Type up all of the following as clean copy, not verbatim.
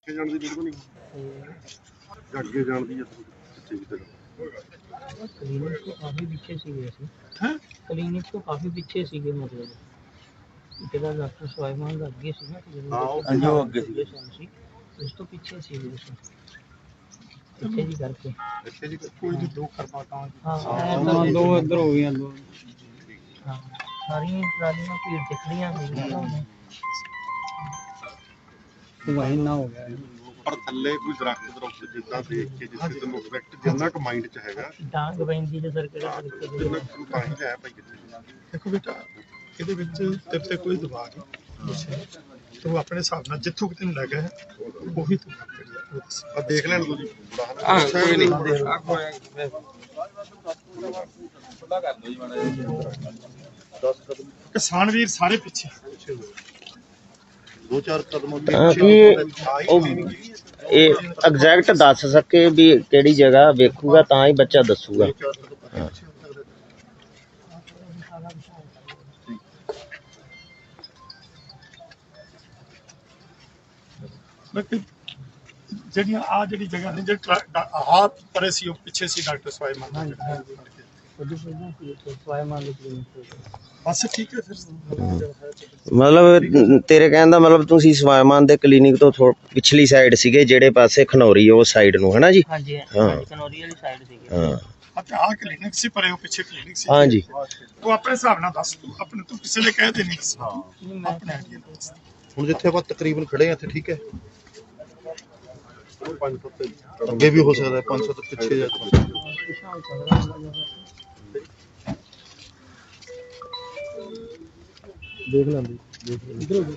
ਜਾਣ ਦੀ ਲੋੜ ਨਹੀਂ ਅੱਗੇ ਜਾਣ ਦੀ ਕਿੱਥੇ ਵੀ क्लिनिक तो काफ़ी पीछे सीगे हैं क्लिनिक तो काफ़ी पीछे सीगे मतलब ਜਿਹੜਾ ਡਾਕਟਰ ਸਵਾਈਮਾਨ ਦਾ ਅੱਗੇ ਸੀ ਨਾ ਉਹ ਅੱਗੇ ਸੀ ਉਸ ਤੋਂ ਪਿੱਛੇ ਸੀ ਇੱਥੇ ਜੀ ਕਰਕੇ ਇੱਥੇ ਜੀ ਕੋਈ ਨਹੀਂ ਦੋ ਕਰਵਾ ਤਾਂ ਹਾਂ ਦੋ ਇੱਧਰ ਹੋ ਗਈਆਂ ਦੋ ਹਾਂ ਸਾਰੀਆਂ ਟਰਾਲੀਆਂ ਭੀੜ ਦਿਖ ਰਹੀਆਂ ਸੀ ਵਹੀ ਨਾ ਹੋ ਗਿਆ ਪਰ ਥੱਲੇ ਕੋਈ ਦਰਖਤ ਜਿੱਦਾਂ ਦੇਖ ਕੇ ਜਿੱਥੇ ਤੈਨੂੰ ਇਫੈਕਟ ਜਿੰਨਾ ਕੁ ਮਾਈਂਡ 'ਚ ਹੈਗਾ ਡਾਂਗ ਪੈਂਦੀ ਤੇ ਸਰ ਕਿਹੜਾ ਤਰੀਕੇ ਜਿੰਨਾ ਕੁ ਤਾਂ ਹੀ ਲਿਆ ਭਾਈ ਕਿੱਥੇ ਦੇਖੋ ਬੇਟਾ ਇਹਦੇ ਵਿੱਚ ਤੇਰੇ ਤੇ ਕੋਈ ਦਬਾਅ ਨਹੀਂ ਤੂੰ ਆਪਣੇ ਹਿਸਾਬ ਨਾਲ ਜਿੱਥੋਂ ਕਿਤੇ ਨੂੰ ਲੱਗਾ ਹੈ ਉਹੀ ਤੂੰ ਆ ਦੇਖ ਲੈਣ ਤੂੰ ਜੀ ਕੋਈ ਨਹੀਂ ਕਿਸਾਨ ਵੀਰ ਸਾਰੇ ਪਿੱਛੇ ਦੋ ਚਾਰ ਕਦਮ ਇਹ ਐਗਜ਼ੈਕਟ ਦੱਸ ਸਕੇ ਵੀ ਕਿਹੜੀ ਜਗ੍ਹਾ ਵੇਖੂਗਾ ਤਾਂ ਹੀ ਬੱਚਾ ਦੱਸੂਗਾ ਜਿਹੜੀਆਂ ਆ ਜਿਹੜੀ ਜਗ੍ਹਾ ਨੇ ਜਿਹੜਾ ਆਹ ਪਰੇ ਸੀ ਉਹ ਪਿੱਛੇ ਸੀ ਡਾਕਟਰ ਸਵਾਈਮਾਨ ਬਸ ਠੀਕ ਹੈ ਫਿਰ ਮਤਲਬ ਤੇਰੇ ਕਹਿਣ ਦਾ ਮਤਲਬ ਤੁਸੀਂ ਸਵਾਈਮਾਨ ਦੇ ਕਲੀਨਿਕ ਤੋਂ ਪਿਛਲੀ ਸਾਈਡ ਸੀਗੇ ਜਿਹੜੇ ਪਾਸੇ ਖਨੌਰੀ ਉਹ ਸਾਈਡ ਨੂੰ ਹੈ ਨਾ ਜੀ ਹਾਂਜੀ ਹਾਂ ਖਨੌਰੀ ਵਾਲੀ ਸਾਈਡ ਸੀਗੇ ਹਾਂ ਆ ਕਲੀਨਿਕ ਸੀ ਪਰੇ ਉਹ ਪਿੱਛੇ ਕਲੀਨਿਕ ਸੀ ਹਾਂਜੀ ਤੂੰ ਆਪਣੇ ਹਿਸਾਬ ਨਾਲ ਦੱਸ ਤੂੰ ਆਪਣੇ ਤੂੰ ਕਿਸੇ ਨੇ ਕਹਿ ਦੇ ਨਹੀਂ ਆਪਣੇ ਹੁਣ ਜਿੱਥੇ ਆਪਾਂ ਤਕਰੀਬਨ ਖੜੇ ਆ ਇੱਥੇ ਠੀਕ ਹੈ 500 ਅੱਗੇ ਵੀ ਹੋ ਸਕਦਾ 500 ਤੋਂ ਪਿੱਛੇ ਜਾ ਦੇਖ ਲੈਂਦੇ ਇਧਰ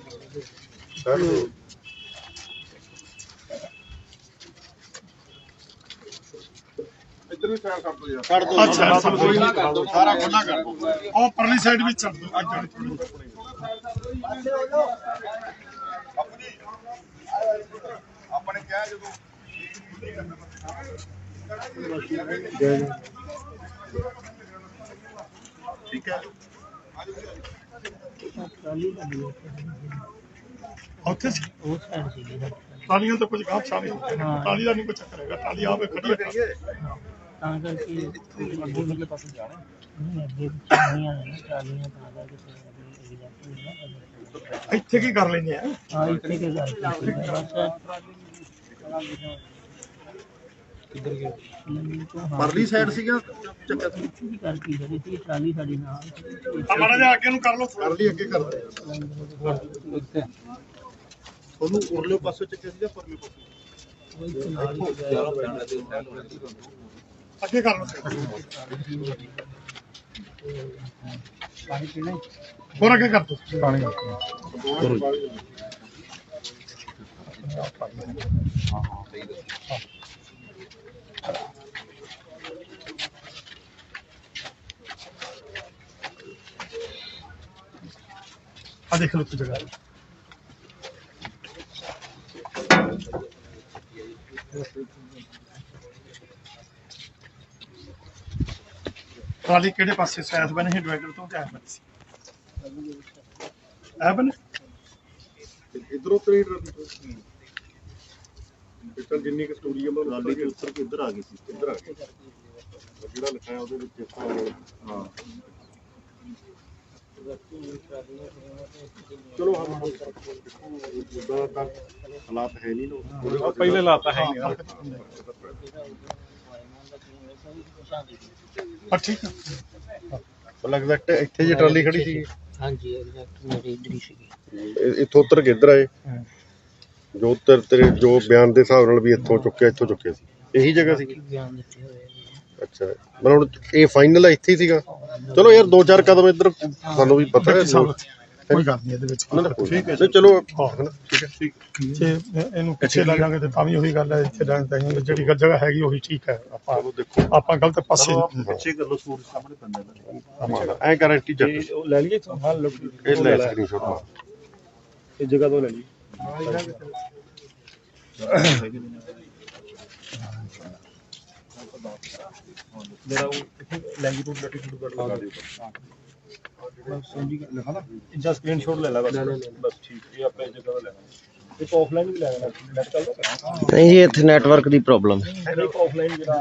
ਇੱਧਰ ਵੀ ਸਾਰਾ ਕਰ ਦੋ ਯਾਰ ਕਰ ਦੋ ਅੱਛਾ ਸਭ ਕੋਈ ਨਹੀਂ ਕਰ ਦੋ ਸਾਰਾ ਖੁੱਲਾ ਕਰ ਦੋ ਉਹ ਪਰਲੀ ਸਾਈਡ ਵੀ ਛੱਡ ਦੋ ਆਪਣੇ ਕਿਹਾ ਜਦੋਂ ਠੀਕ ਹੈ ਉੱਥੇ ਉਹ ਸਾਈਡ ਸੀਗੀ ਟਾਲੀਆਂ ਤਾਂ ਕੁਝ ਕੰਮ ਸ਼ਾਮਿਲ ਟਾਲੀ ਦਾ ਨਹੀਂ ਕੋਈ ਚੱਕਰ ਹੈਗਾ ਟਾਲੀ ਆਵੇ ਖੜੀ ਹੈ ਤਾਂ ਕਰਕੇ ਅੱਗੇ ਵਾਲੇ ਪਾਸੇ ਜਾਣਾ ਨਹੀਂ ਅੱਗੇ ਨਹੀਂ ਆਣਾ ਟਰਾਲੀਆਂ ਤਾਂ ਕਰਕੇ ਇੱਥੇ ਕੀ ਕਰ ਲੈਂਦੇ ਆ ਹਾਂ ਇੱਥੇ ਕੀ ਕਰਕੇ ਬਸ ਪਰਲੀ ਸਾਈਡ ਸੀਗਾ ਚੱਕਰ ਕੀ ਕਰਕੇ ਜਿਹੜੀ ਸੀ ਟਰਾਲੀ ਸਾਡੀ ਨਾਲ ਮਾੜਾ ਜਿਹਾ ਅੱਗੇ ਨੂੰ ਕਰ ਲਓ ਕਰ ਲਈ ਅੱਗੇ ਕਰ ਦੇ ਤੁਹਾਨੂੰ ਉਰਲੇ ਪਾਸੇ ਚੱਕਿਆ ਸੀਗਾ ਪਰਲੇ ਪਾਸੇ ਅੱਗੇ ਕਰ ਲਓ ਪਾਣੀ ਪੀਣਾ ਹੋਰ ਅੱਗੇ ਕਰ ਦੋ ਪਾਣੀ ਆ ਦੇਖ ਲਓ ਤੇ ਜਗ੍ਹਾ ਟਰਾਲੀ ਕਿਹੜੇ ਪਾਸੇ ਸੈਸ ਬਣੇ ਸੀ ਡਿਵਾਈਡਰ ਤੋਂ ਕਿਆ ਬਣੇ ਸੀ ਐ ਬਣੇ ਇਧਰੋਂ ਤਰੀ ਪਿੱਛੇ ਜਿੰਨੀ ਕਿ ਸਟੋਰੀ ਆ ਮੈਂ ਟਰਾਲੀ ਦੇ ਉੱਤਰ ਕੇ ਇੱਧਰ ਆ ਗਈ ਸੀ ਇੱਧਰ ਆ ਗਈ ਜਿਹੜਾ ਲਿਖਿਆ ਉਹਦੇ ਵਿੱਚ ਹਾਂ ਚਲੋ ਹਾਲਾਤ ਹੈ ਨਹੀਂ ਨਾ ਪਹਿਲੇ ਹਾਲਾਤ ਹੈ ਨਹੀਂ ਠੀਕ ਹੈ ਲੱਗਦਾ ਇੱਥੇ ਜੇ ਟਰਾਲੀ ਖੜੀ ਸੀ ਹਾਂਜੀ ਐਗਜ਼ੈਕਟ ਮੇਰੇ ਇੱਧਰ ਹੀ ਸੀਗੀ ਇੱਥੋਂ ਉੱਤਰ ਕੇ ਇੱਧਰ ਆਏ ਜੋ ਤੇਰੇ ਜੋ ਬਿਆਨ ਦੇ ਹਿਸਾਬ ਨਾਲ ਵੀ ਇੱਥੋਂ ਚੁੱਕਿਆ ਸੀ ਇਹੀ ਜਗ੍ਹਾ ਸੀ ਬਿਆਨ ਦਿੱਤੇ ਹੋਏ ਅੱਛਾ ਮਤਲਬ ਹੁਣ ਇਹ ਫਾਈਨਲ ਇੱਥੇ ਹੀ ਸੀਗਾ ਚਲੋ ਯਾਰ ਦੋ ਚਾਰ ਕਦਮ ਇੱਧਰ ਸਾਨੂੰ ਵੀ ਪਤਾ ਹੈ ਕੋਈ ਗੱਲ ਨਹੀਂ ਇਹਦੇ ਵਿੱਚ ਠੀਕ ਹੈ ਚਲੋ ਠੀਕ ਹੈ ਜੇ ਇਹਨੂੰ ਪਿੱਛੇ ਲਾ ਜਾਵਾਂਗੇ ਤੇ ਤਾਂ ਵੀ ਉਹੀ ਗੱਲ ਹੈ ਇੱਥੇ ਜਿਹੜੀ ਜਗ੍ਹਾ ਹੈਗੀ ਉਹੀ ਠੀਕ ਹੈ ਆਪਾਂ ਗਲਤ ਪਾਸੇ ਪਿੱਛੇ ਕਰ ਲਓ ਸੂਰਜ ਸਾਹਮਣੇ ਪੈਂਦਾ ਐ ਗਾਰੰਟੀ ਜੱਟ ਲੈ ਲਈਏ ਹਾਂ ਇਹ ਲੈ ਸਕਰੀਨਸ਼ਾਟ ਮਾਰ ਇਹ ਜਗ੍ਹਾ ਤੋਂ ਲੈ ਲਈ ਮੇਰਾ लैंगिट्यूड लैटिट्यूड कर लगा दे बस समझी लिखा ना इसका स्क्रीनशॉट ले ला बस ठीक ये अपने जगह पे लेना ਇੱਕ ਆਫਲਾਈਨ ਵੀ ਲੈ ਜਾਣਾ ਨੈਟ ਚੱਲਦਾ ਨਹੀਂ ਜੀ ਇੱਥੇ ਨੈਟਵਰਕ ਦੀ ਪ੍ਰੋਬਲਮ ਹੈ। ਇੱਕ ਆਫਲਾਈਨ ਜਿਹੜਾ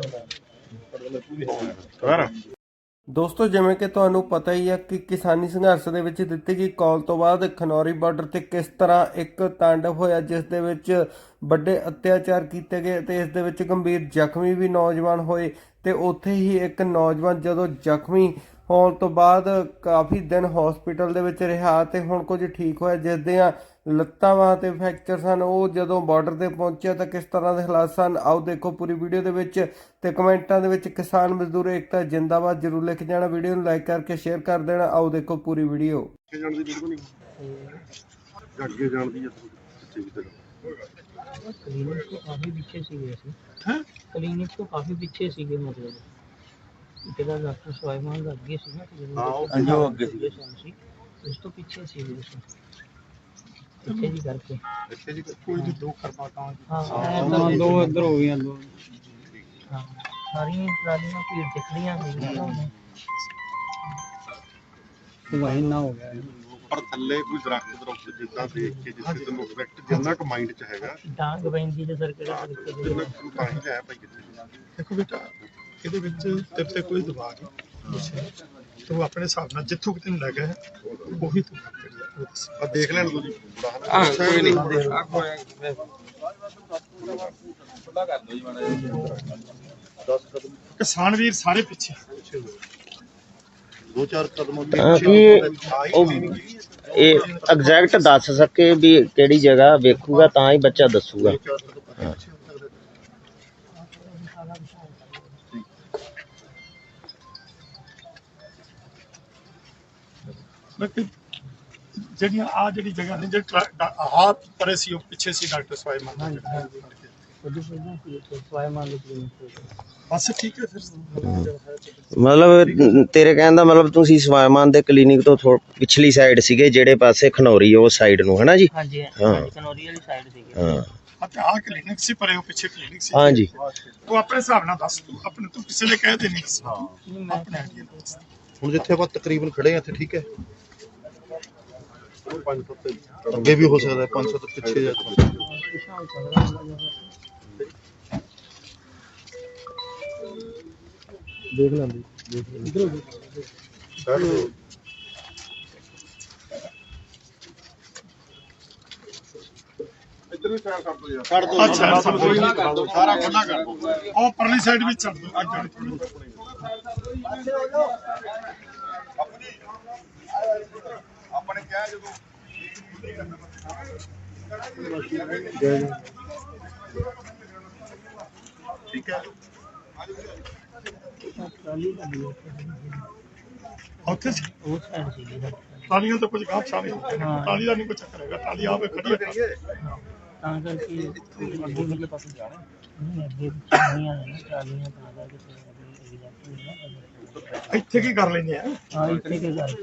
ਦੋਸਤੋ ਜਿਵੇਂ ਕਿ ਤੁਹਾਨੂੰ ਪਤਾ ਹੀ ਹੈ ਕਿ ਕਿਸਾਨੀ ਸੰਘਰਸ਼ ਦੇ ਵਿੱਚ ਦਿੱਤੀ ਗਈ ਕਾਲ ਤੋਂ ਬਾਅਦ ਖਨੌਰੀ ਬਾਰਡਰ ਤੇ ਕਿਸ ਤਰ੍ਹਾਂ ਇੱਕ ਤਾਂਡਵ ਹੋਇਆ ਜਿਸ ਦੇ ਵਿੱਚ ਵੱਡੇ ਅਤਿਆਚਾਰ ਕੀਤੇ ਗਏ ਤੇ ਇਸ ਦੇ ਵਿੱਚ ਗੰਭੀਰ ਜ਼ਖਮੀ ਵੀ ਨੌਜਵਾਨ ਹੋਏ ਤੇ ਉੱਥੇ ਹੀ ਇੱਕ ਨੌਜਵਾਨ ਜਦੋਂ ਜ਼ਖਮੀ ਹੋਣ ਤੋਂ ਬਾਅਦ ਕਾਫੀ ਦਿਨ ਹਸਪੀਟਲ ਦੇ ਵਿੱਚ ਰਿਹਾ ਤੇ ਹੁਣ ਕੁਝ ਠੀਕ ਹੋਇਆ ਜਿਸ ਦੀਆਂ ਲੱਤਾਂ ਬਾਹਾਂ ਤੇ ਫ੍ਰੈਕਚਰ ਸਨ। ਉਹ ਜਦੋਂ ਬਾਰਡਰ ਤੇ ਪਹੁੰਚਿਆ ਤਾਂ ਕਿਸ ਤਰ੍ਹਾਂ ਦੇ ਹਾਲਾਤ ਸਨ ਆਓ ਦੇਖੋ ਪੂਰੀ ਵੀਡੀਓ ਦੇ ਵਿੱਚ ਤੇ ਕਮੈਂਟਾਂ ਦੇ ਵਿੱਚ ਕਿਸਾਨ ਮਜ਼ਦੂਰ ਏਕਤਾ ਜਿੰਦਾਬਾਦ ਜ਼ਰੂਰ ਲਿਖ ਜਾਣਾ। ਵੀਡੀਓ ਨੂੰ ਲਾਈਕ ਕਰਕੇ ਸ਼ੇਅਰ ਕਰ ਦੇਣਾ। ਆਓ ਦੇਖੋ ਪੂਰੀ ਵੀਡੀਓ। ਜਾਣ ਦੀ ਬਿਲਕੁਲ ਨਹੀਂ ਅੱਗੇ ਜਾਣ ਦੀ क्लिनिक तो काफ़ी पीछे सीगे क्लिनिक तो काफ़ी पीछे सीगे मतलब ਜਿਹੜਾ ਡਾਕਟਰ ਸਵਾਈਮਾਨ ਦਾ ਅੱਗੇ ਸੀ ਨਾ ਹਾਂਜੀ ਉਹ ਅੱਗੇ ਸੀ ਉਸ ਤੋਂ ਪਿੱਛੇ ਸੀ ਪਿੱਛੇ ਜੀ ਕਰਕੇ ਕੋਈ ਨਹੀਂ ਦੋ ਕਰ ਪਾਤਾ ਹਾਂ ਦੋ ਇੱਧਰ ਹੋ ਗਈਆਂ ਦੋ ਹਾਂ ਸਾਰੀਆਂ ਟਰਾਲੀਆਂ ਭੀੜ ਦਿਖ ਰਹੀਆਂ ਸੀਗੀਆਂ ਵਹੀਂ ਨਾ ਹੋ ਗਿਆ ਪਰ ਥੱਲੇ ਕੋਈ ਦਰਖਤ ਜਿੱਦਾਂ ਦੇਖ ਕੇ ਜਿੱਥੇ ਤੈਨੂੰ ਇਫੈਕਟ ਜਿੰਨਾ ਕੁ ਮਾਈਂਡ 'ਚ ਹੈਗਾ ਡਾਂਗ ਬੈਂਦੀ ਦੇ ਸਰ ਕਿਹੜਾ ਤਰੀਕੇ ਦੇ ਜਿੰਨਾ ਕੁ ਤਾਂ ਹੀ ਲਿਆ ਭਾਈ ਕਿੱਥੇ ਦੇਖੋ ਬੇਟਾ ਇਹਦੇ ਵਿੱਚ ਤੇਰੇ ਤੇ ਕੋਈ ਦਬਾਅ ਨਹੀਂ ਤੂੰ ਆਪਣੇ ਹਿਸਾਬ ਨਾਲ ਜਿੱਥੋਂ ਕਿਤੇ ਲੈ ਗਿਆ ਉਹੀ ਤੂੰ ਆ ਦੇਖ ਲੈਣ ਤੂੰ ਜੀ ਕੋਈ ਨਹੀਂ ਖੁੱਲਾ ਕਰ ਦੋ ਜੀ ਮਾੜਾ 10 ਕਦਮ ਕਿਸਾਨ ਵੀਰ ਸਾਰੇ ਪਿੱਛੇ 2-4 ਕਦਮ ਇਹ ਐਗਜ਼ੈਕਟ ਦੱਸ ਸਕੇ ਵੀ ਕਿਹੜੀ ਜਗ੍ਹਾ ਵੇਖੂਗਾ ਤਾਂ ਹੀ ਬੱਚਾ ਦੱਸੂਗਾ। ਜਿਹੜੀਆਂ ਆ ਜਿਹੜੀ ਜਗ੍ਹਾ ਨੇ ਜਿਹੜੇ ਆਹ ਪਰੇ ਸੀ ਉਹ ਪਿੱਛੇ ਸੀ ਡਾਕਟਰ ਸਵਾਈਮਾਨ ਬਸ ਠੀਕ ਹੈ ਫਿਰ ਮਤਲਬ ਤੇਰੇ ਕਹਿਣ ਦਾ ਮਤਲਬ ਤੁਸੀਂ ਸਵਾਈਮਾਨ ਦੇ ਕਲੀਨਿਕ ਤੋਂ ਪਿਛਲੀ ਸਾਈਡ ਸੀਗੇ ਜਿਹੜੇ ਪਾਸੇ ਖਨੌਰੀ ਉਹ ਸਾਈਡ ਨੂੰ ਹੈ ਨਾ ਜੀ। ਹਾਂਜੀ ਹਾਂ ਖਨੌਰੀ ਵਾਲੀ ਸਾਈਡ ਸੀਗੀ ਹਾਂ ਅਤੇ ਆਹ ਕਲੀਨਿਕ ਸੀ ਪਰੇ ਉਹ ਪਿੱਛੇ ਕਲੀਨਿਕ ਸੀ ਹਾਂਜੀ ਤੂੰ ਆਪਣੇ ਹਿਸਾਬ ਨਾਲ ਦੱਸ ਤੂੰ ਆਪਣੇ ਤੂੰ ਕਿਸੇ ਨੇ ਕਹਿ ਦੇਣੀ ਸੀ ਆਪਣੇ ਆਈਡੀਆ ਦੱਸ ਹੁਣ ਜਿੱਥੇ ਆਪਾਂ ਤਕਰੀਬਨ ਖੜੇ ਆ ਇੱਥੇ ਠੀਕ ਹੈ 500 ਅੱਗੇ ਵੀ ਹੋ ਸਕਦਾ 500 ਤੋਂ ਪਿੱਛੇ ਜਾ ਦੇਖ ਲੈਂਦੇ ਇਧਰ ਵੀ ਸਾਈਡ ਕਰ ਦੋ ਯਾਰ ਕਰ ਦੋ ਅੱਛਾ ਸਾਰਾ ਖੁੱਲਾ ਕਰ ਦੋ ਉਹ ਪਰਲੀ ਸਾਈਡ ਵੀ ਛੱਡ ਦੋ ਅੱਗੇ ਆਪਣੇ ਕਿਹਾ ਜਦੋਂ ਠੀਕ ਹੈ ਉੱਥੇ ਉਹ ਸਾਈਡ ਸੀਗੀ ਟਾਲੀਆਂ ਤਾਂ ਕੁਝ ਗਾਪ ਸਾਹਮਣੇ ਟਾਲੀ ਦਾ ਨਹੀਂ ਕੋਈ ਚੱਕਰ ਹੈਗਾ ਟਾਲੀ ਆਵੇ ਖੜੀ ਹੈ ਤਾਂ ਕਰਕੇ ਅੱਗੇ ਵਾਲੇ ਪਾਸੇ ਜਾਣਾ ਨਹੀਂ ਅੱਗੇ ਨਹੀਂ ਆਣਾ ਟਰਾਲੀਆਂ ਤਾਂ ਕਰਕੇ ਇੱਥੇ ਕੀ ਕਰ ਲੈਂਦੇ ਆ ਹਾਂ ਇੱਥੇ ਕੀ ਕਰ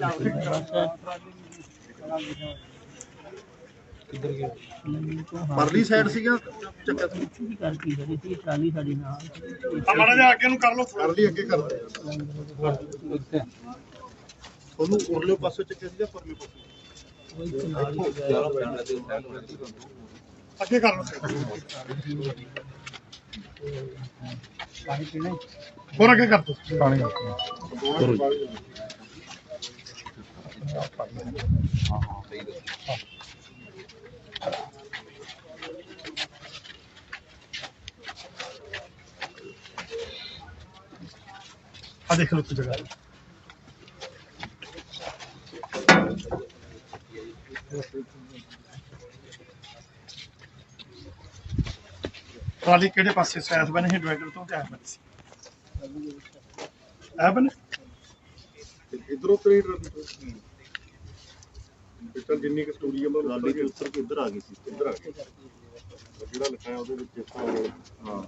ਪਰਲੀ ਸਾਈਡ ਸੀਗਾ ਚੱਕਰ ਕੀ ਕਰਦੀ ਜਿਹੜੀ ਸੀ ਟਰਾਲੀ ਸਾਡੀ ਨਾਲ ਮਾੜਾ ਜਿਹਾ ਅੱਗੇ ਨੂੰ ਕਰ ਲਓ ਪਰਲੀ ਅੱਗੇ ਕਰ ਲਓ ਉਹਨੂੰ ਉਰਲੇ ਪਾਸੇ ਚੱਕਿਆ ਸੀਗਾ ਪਰਲੇ ਪਾਸੇ ਅੱਗੇ ਕਰ ਲਓ ਪਾਣੀ ਪੀਣਾ ਹੋਰ ਅੱਗੇ ਕਰ ਦੋ ਪਾਣੀ ਆ ਦੇਖ ਲਓ ਜਗ੍ਹਾ ਟਰਾਲੀ ਕਿਹੜੇ ਪਾਸੇ ਸੈਸ ਬਣੇ ਸੀ ਡਿਵਾਈਡਰ ਤੋਂ ਕਿਆ ਬਣੇ ਸੀ ਆ ਬਣੇ ਇਧਰੋਂ ਤਰੀ ਬਿਟਲ ਜਿੰਨੀ ਕਿ ਸਟੋਰੀ ਹੈ ਟਰਾਲੀ ਦੇ ਉੱਤਰ ਕੇ ਇੱਧਰ ਆ ਗਈ ਸੀ ਇੱਧਰ ਆ ਗਈ ਜਿਹੜਾ ਲਿਖਿਆ ਉਹਦੇ ਵਿੱਚ ਹਾਂ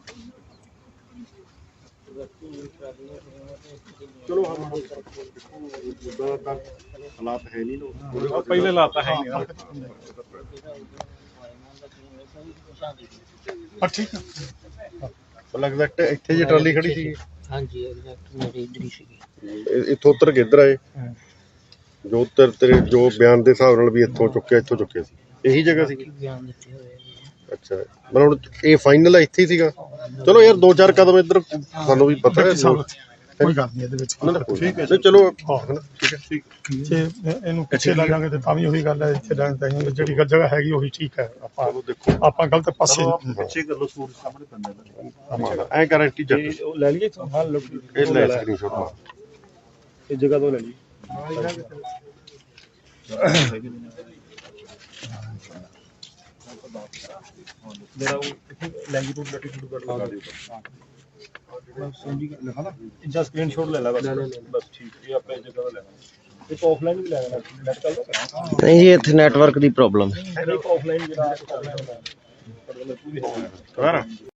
ਚਲੋ ਉਹਦਾ ਤਾਂ ਹਾਲਾਤ ਹੈ ਨਹੀਂ ਨਾ ਪਹਿਲੇ ਹਾਲਾਤ ਹੈ ਨਹੀਂ ਠੀਕ ਹੈ ਲੱਗਦਾ ਇੱਥੇ ਜੇ ਟਰਾਲੀ ਖੜੀ ਸੀ ਹਾਂਜੀ ਐਗਜ਼ੈਕਟ ਮੇਰੀ ਇਧਰ ਹੀ ਸੀਗੀ ਇੱਥੋਂ ਉੱਤਰ ਕੇ ਇੱਧਰ ਆਏ ਜੋ ਤੇਰੇ ਜੋ ਬਿਆਨ ਦੇ ਹਿਸਾਬ ਨਾਲ ਵੀ ਇੱਥੋਂ ਚੁੱਕਿਆ ਸੀ ਇਹੀ ਜਗ੍ਹਾ ਸੀ। ਬਿਆਨ ਦਿੱਤੇ ਹੋਏ ਆ ਜੀ। ਅੱਛਾ ਮਤਲਬ ਹੁਣ ਇਹ ਫਾਈਨਲ ਇੱਥੇ ਹੀ ਸੀਗਾ। ਚਲੋ ਯਾਰ 2-4 ਕਦਮ ਇੱਧਰ ਸਾਨੂੰ ਵੀ ਪਤਾ ਹੈ ਕੋਈ ਗੱਲ ਨਹੀਂ ਇਹਦੇ ਵਿੱਚ ਠੀਕ ਹੈ। ਚਲੋ ਹਨਾ ਠੀਕ ਹੈ ਠੀਕ। ਜੇ ਇਹਨੂੰ ਪਿੱਛੇ ਲਾ ਜਾਾਂਗੇ ਤੇ ਤਾਂ ਵੀ ਉਹੀ ਗੱਲ ਹੈ, ਇੱਥੇ ਰਹਿਣ ਤਾਂ ਜਿਹੜੀ ਜਗ੍ਹਾ ਹੈਗੀ ਉਹੀ ਠੀਕ ਹੈ। ਆਪਾਂ ਗਲਤ ਪਾਸੇ ਪਿੱਛੇ ਕਰ ਲੋ, ਸੂਰਜ ਸਾਹਮਣੇ ਪੈਂਦਾ ਐ ਗਾਰੰਟੀ ਚੱਕ ਲੈ ਲਈਏ ਹਾਂ ਇਹ ਲੈ ਸਕਰੀਨਸ਼ਾਟ ਮਾਰ ਇਹ ਜਗ੍ਹਾ ਤੋਂ ਲੈ ਲਈ। ਮੇਰਾ ਉਹ ਲੈਂਗੀਟਿਊਡ ਲੈਟੀਟਿਊਡ ਕਰ ਲਗਾ ਦਿਓ। ਜਾਂ ਸਕਰੀਨਸ਼ਾਟ ਲੈ ਲਾ ਬਸ ਠੀਕ। ਇਹ ਆਪਾਂ ਇਹ ਜਗ੍ਹਾ ਤੋਂ ਲੈਣਾ, ਇੱਕ ਆਫਲਾਈਨ ਵੀ ਲੈ ਲੈਣਾ। ਨੈਟ ਚੱਲ ਰਿਹਾ ਨਹੀਂ ਜੀ, ਇੱਥੇ ਨੈਟਵਰਕ ਦੀ ਪ੍ਰੋਬਲਮ ਇੱਕ ਆਫਲਾਈਨ ਜਿਹੜਾ